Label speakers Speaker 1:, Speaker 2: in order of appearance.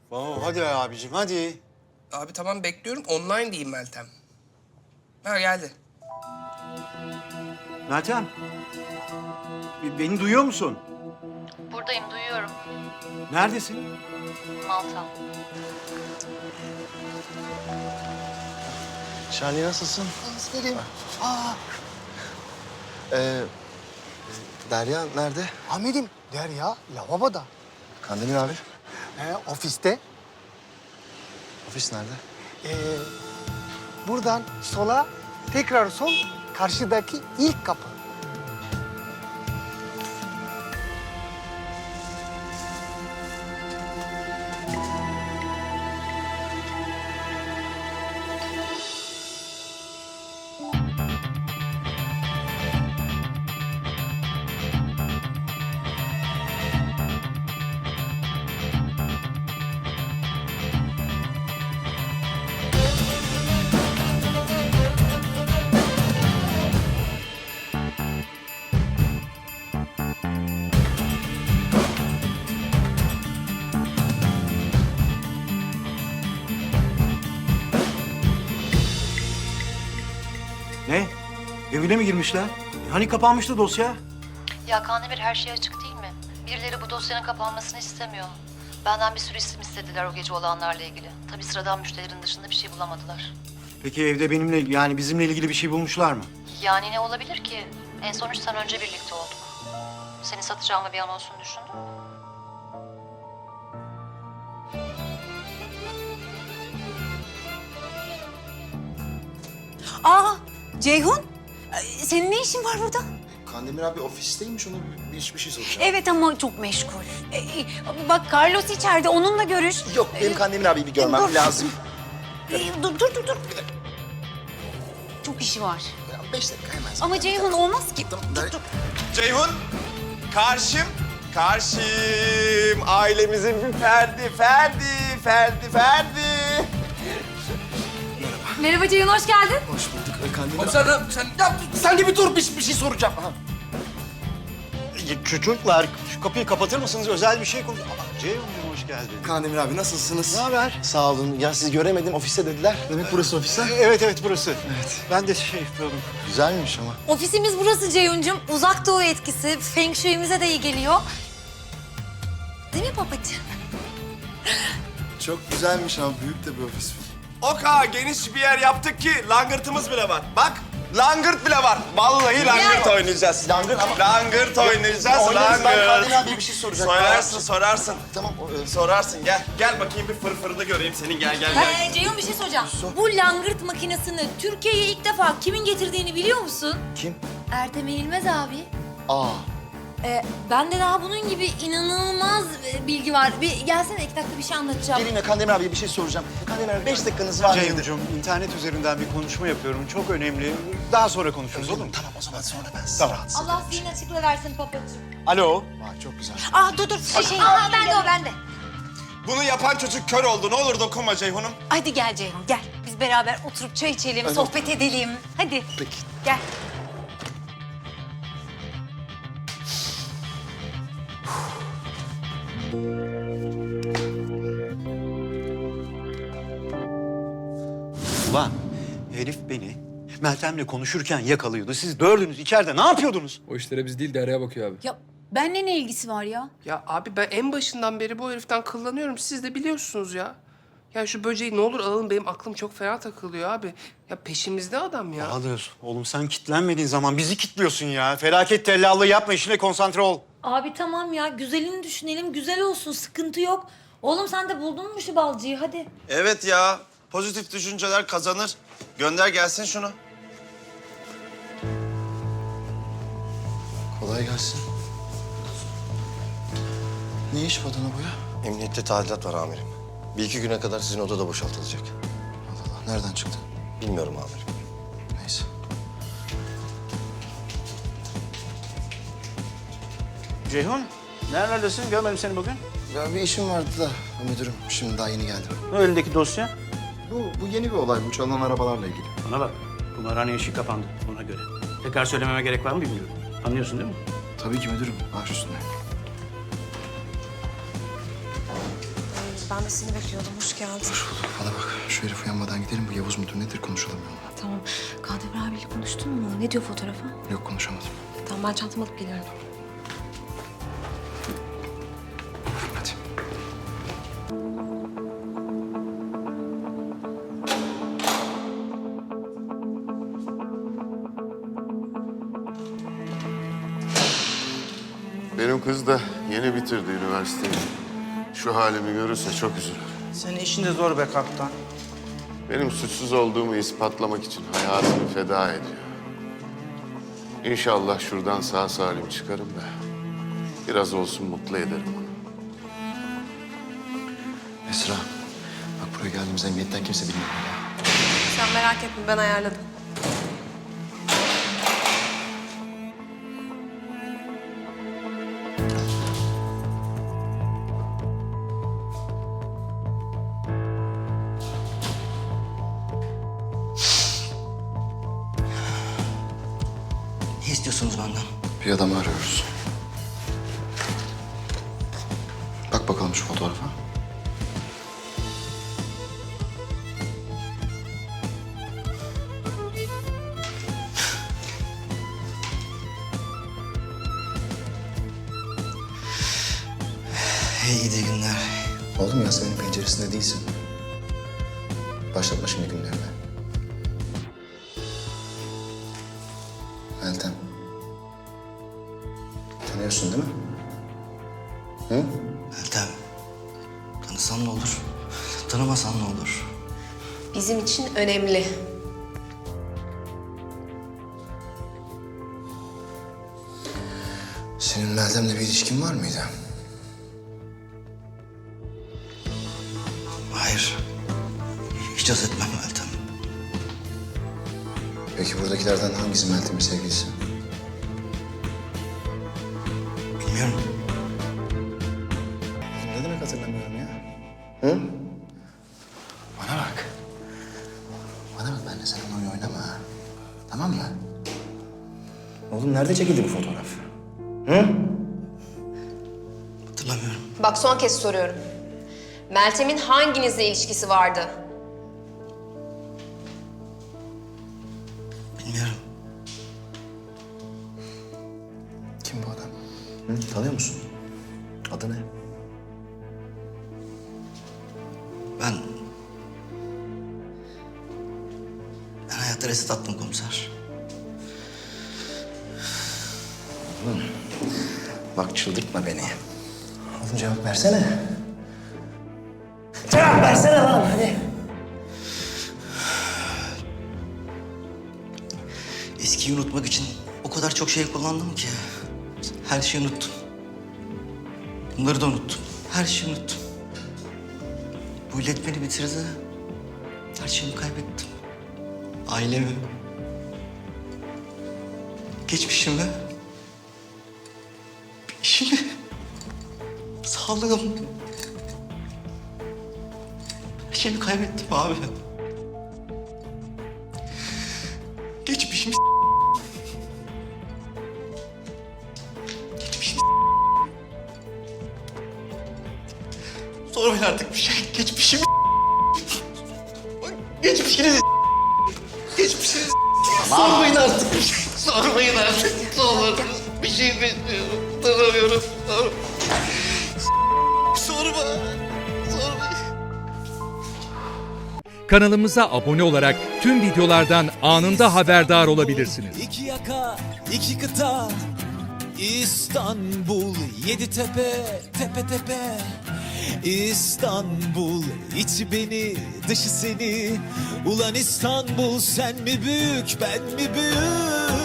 Speaker 1: Tamam hadi abicim hadi.
Speaker 2: Abi tamam bekliyorum. Online diyeyim Meltem. Ha geldi.
Speaker 3: Meltem. Beni duyuyor musun?
Speaker 4: Buradayım, duyuyorum.
Speaker 3: Neredesin?
Speaker 4: Malta.
Speaker 5: Şahane nasılsın?
Speaker 6: İsterim. Aa,
Speaker 5: Derya nerede?
Speaker 6: Ahmet'im Derya lavaboda.
Speaker 5: Kandemir abi.
Speaker 6: Ofiste.
Speaker 5: Ofis nerede?
Speaker 6: Buradan sola, tekrar sol, karşıdaki ilk kapı.
Speaker 3: Ne? Evine mi girmişler? Hani kapanmıştı dosya?
Speaker 4: Ya Kandemir, her şey açık değil mi? Birileri bu dosyanın kapanmasını istemiyor. Benden bir sürü isim istediler o gece olanlarla ilgili. Tabii sıradan müşterilerin dışında bir şey bulamadılar.
Speaker 3: Peki evde benimle yani bizimle ilgili bir şey bulmuşlar mı?
Speaker 4: Yani ne olabilir ki? En son 3 sene önce birlikte olduk. Seni satacağımı bir an olsun düşündün mü?
Speaker 7: Aa, Ceyhun. Senin ne işin var burada?
Speaker 5: Kandemir abi ofisteymiş, ona bir şey soracağım.
Speaker 7: Evet ama çok meşgul. Bak Carlos içeride, onunla görüş.
Speaker 5: Yok, benim Kandemir abiyi bir görmem
Speaker 7: dur.
Speaker 5: lazım.
Speaker 7: Dur. Çok işi var.
Speaker 5: Ya 5 dakika hemen.
Speaker 7: Ama Ceyhun olmaz ki.
Speaker 5: Tamam,
Speaker 7: Dur.
Speaker 1: Ceyhun, karşım. Ailemizin bir ferdi.
Speaker 7: Merhaba Ceyhun, hoş geldin.
Speaker 5: Hoş bulduk. Kandemir
Speaker 2: Abi sen de bir dur, bir şey soracağım. Aha.
Speaker 1: Çocuklar şu kapıyı kapatır mısınız? Özel bir şey konuş... Ceyhun'cum hoş geldin.
Speaker 5: Kandemir abi nasılsınız?
Speaker 1: Ne haber?
Speaker 5: Sağ olun. Ya sizi göremedim, ofiste dediler. Demek burası ofis ha?
Speaker 1: Evet burası. Evet. Ben de şey yapıyordum.
Speaker 5: Güzelmiş ama.
Speaker 7: Ofisimiz burası Ceyhun'cum. Uzak Doğu etkisi. Feng Shui'mize de iyi geliyor. Değil mi babacığım?
Speaker 5: Çok güzelmiş ama büyük de bir ofis.
Speaker 1: O kadar geniş bir yer yaptık ki langırtımız bile var. Bak langırt bile var. Vallahi langırt oynayacağız.
Speaker 5: Langırt ama-
Speaker 1: Langırt oynayacağız.
Speaker 5: Oynarız, ben Kandemir
Speaker 1: Langırt.
Speaker 5: abiye bir şey soracağım.
Speaker 1: Sorarsın.
Speaker 5: Tamam.
Speaker 1: Sorarsın gel. Gel bakayım bir fırfırını göreyim senin. Gel.
Speaker 7: Ceyhun bir şey soracağım. Bu langırt makinesini Türkiye'ye ilk defa kimin getirdiğini biliyor musun?
Speaker 5: Kim?
Speaker 7: Ertem Eğilmez abi.
Speaker 5: Aa.
Speaker 7: Bende daha bunun gibi inanılmaz bilgi var. Bir gelsene, 2 dakika bir şey anlatacağım.
Speaker 5: Geleyim de Kandemir abiye bir şey soracağım. Kandemir abi 5 dakikanız var mıydı?
Speaker 3: Ceyhun'cum internet üzerinden bir konuşma yapıyorum. Çok önemli. Daha sonra konuşuruz olur mu?
Speaker 5: Tamam o zaman sonra ben sizi
Speaker 3: Tamam.
Speaker 5: rahatsız
Speaker 7: Allah zihin açıklığı versin papacığım.
Speaker 3: Alo.
Speaker 5: Vay çok güzel.
Speaker 7: Dur. Bende.
Speaker 1: Bunu yapan çocuk kör oldu. Ne olur dokunma Ceyhun'um.
Speaker 7: Hadi gel Ceyhun, gel. Biz beraber oturup çay içelim, sohbet edelim. Hadi.
Speaker 5: Peki.
Speaker 7: Gel.
Speaker 3: Ulan herif beni Meltem'le konuşurken yakalıyordu. Siz dördünüz içeride ne yapıyordunuz?
Speaker 8: O işlere biz değil Derya'ya bakıyor abi.
Speaker 7: Ya benimle ne ilgisi var ya?
Speaker 2: Ya abi ben en başından beri bu heriften kullanıyorum. Siz de biliyorsunuz ya. Ya şu böceği ne olur alın, benim aklım çok fena takılıyor abi. Ya peşimizde adam ya.
Speaker 3: Bahadır, oğlum sen kitlenmediğin zaman bizi kitliyorsun ya. Felaket tellallığı yapma, işine konsantre ol.
Speaker 7: Abi tamam ya, güzelini düşünelim, güzel olsun, sıkıntı yok. Oğlum sen de buldun mu şu balcıyı, hadi.
Speaker 1: Evet ya. Pozitif düşünceler kazanır. Gönder gelsin şunu.
Speaker 5: Kolay gelsin. Ne iş badana bu ya?
Speaker 9: Emniyette tadilat var amirim. Bir iki güne kadar sizin odada boşaltılacak.
Speaker 5: Allah Allah, nereden çıktı?
Speaker 9: Bilmiyorum amirim.
Speaker 5: Neyse.
Speaker 3: Ceyhun, nerelerdesin? Görmedim seni bugün.
Speaker 5: Ya bir işim vardı da müdürüm, şimdi daha yeni geldim.
Speaker 3: Ne elindeki dosya?
Speaker 5: Bu yeni bir olay, bu çalınan arabalarla ilgili.
Speaker 3: Bana bak, kumarhane işi kapandı ona göre. Tekrar söylememe gerek var mı bilmiyorum. Anlıyorsun değil mi?
Speaker 5: Tabii ki müdürüm, baş üstüne.
Speaker 7: Ben de seni bekliyordum. Hoş geldin.
Speaker 5: Hoş bulduk. Bana bak, şu herif uyanmadan gidelim. Bu Yavuz mudur nedir konuşalım onunla.
Speaker 7: Tamam. Kandemir abiyle konuştun mu? Ne diyor fotoğrafa?
Speaker 5: Yok, konuşamadım.
Speaker 7: Tamam, ben çantamı alıp geliyorum.
Speaker 5: Hadi.
Speaker 10: Benim kız da yeni bitirdi üniversiteyi. Şu halimi görürse çok üzülür.
Speaker 6: Senin işin de zor be kaptan.
Speaker 10: Benim suçsuz olduğumu ispatlamak için hayatını feda ediyor. İnşallah şuradan sağ salim çıkarım da biraz olsun mutlu ederim onu.
Speaker 5: Esra, bak buraya geldiğimiz emniyetten kimse bilmiyor ya.
Speaker 7: Sen merak etme, ben ayarladım.
Speaker 6: Ne istiyorsunuz benden?
Speaker 5: Bir adamı arıyoruz. Bak bakalım şu fotoğrafa.
Speaker 6: Hey gidi günler.
Speaker 5: Oğlum Yasemin'in penceresinde değilsin. Başlatma şimdi günlerine. Meltem. Tanıyorsun değil mi? Hı?
Speaker 6: Meltem. Tanısan ne olur? Tanımasan ne olur?
Speaker 7: Bizim için önemli.
Speaker 5: Senin Meltem'le bir ilişkin var mıydı?
Speaker 6: Hayır. Hiç haz etmem Meltem.
Speaker 5: Peki buradakilerden hangisi Meltem'in sevgilisi?
Speaker 6: Bilmiyorum.
Speaker 5: Ne demek hatırlamıyorum ya? Hı? Bana bak. Bana bak, benimle sen oyun oynama ha. Tamam mı? Oğlum nerede çekildi bu fotoğraf? Hı?
Speaker 6: Hatırlamıyorum.
Speaker 11: Bak son kez soruyorum. Meltem'in hanginizle ilişkisi vardı?
Speaker 6: Bilmiyorum.
Speaker 5: Kim bu adam? Hı? Tanıyor musun? Adı ne?
Speaker 6: Ben hayatta reset attım komiser.
Speaker 5: Bak çıldırtma beni. Oğlum cevap versene. Cevap versene lan hadi.
Speaker 6: Eskiyi unutmak için o kadar çok şey kullandım ki. Her şeyi unuttum. Bunları da unuttum. Her şeyi unuttum. Bu illet beni bitirdi. Her şeyimi kaybettim. Ailemi. Geçmişimi. İşimi. Sağlığım. Her şeyimi kaybettim abi. Geçmişimi Geçmişimi sormayın artık bir şey. Geçmişimi Geçmişiniz Geçmişiniz sormayın artık bir şey. Sormayın artık. Ne olur. Bir şey bilmiyorum. Tanımıyorum. Sorma. Sormayın.
Speaker 12: Kanalımıza abone olarak tüm videolardan anında haberdar olabilirsiniz.
Speaker 13: İki yaka, iki kıta, İstanbul, yedi tepe, tepe tepe. İstanbul, içi beni, dışı seni. Ulan İstanbul, sen mi büyük, ben mi büyük?